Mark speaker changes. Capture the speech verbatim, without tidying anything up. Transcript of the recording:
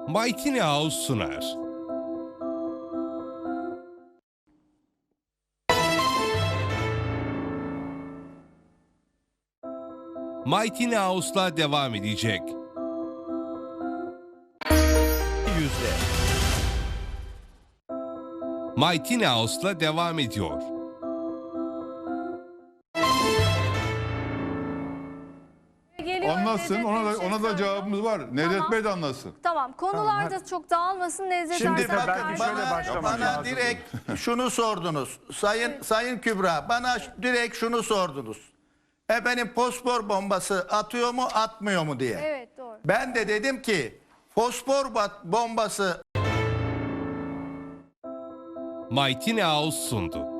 Speaker 1: Mighty House sunar. Mighty House'la devam edecek. Yüzde. Mighty House'la devam ediyor.
Speaker 2: Geliyor,
Speaker 3: Anlatsın.
Speaker 2: Nedret
Speaker 3: Ona
Speaker 2: Bey
Speaker 3: da,
Speaker 2: bir şey
Speaker 3: ona da
Speaker 2: söylüyor.
Speaker 3: cevabımız var. Nedret
Speaker 2: Tamam.
Speaker 3: Bey de anlatsın.
Speaker 2: Tamam, konular
Speaker 4: Tamam,
Speaker 2: da çok dağılmasın. Nedret
Speaker 5: Şimdi
Speaker 2: Arslan
Speaker 5: bakın
Speaker 4: belki şöyle
Speaker 5: bana,
Speaker 4: başlamak
Speaker 5: bana
Speaker 4: lazım.
Speaker 5: direkt şunu sordunuz. Sayın Sayın Kübra bana direkt şunu sordunuz. Efendim fosfor bombası atıyor mu atmıyor mu diye.
Speaker 2: Evet, doğru.
Speaker 5: Ben de dedim ki fosfor bat- bombası
Speaker 1: Mighty House sundu.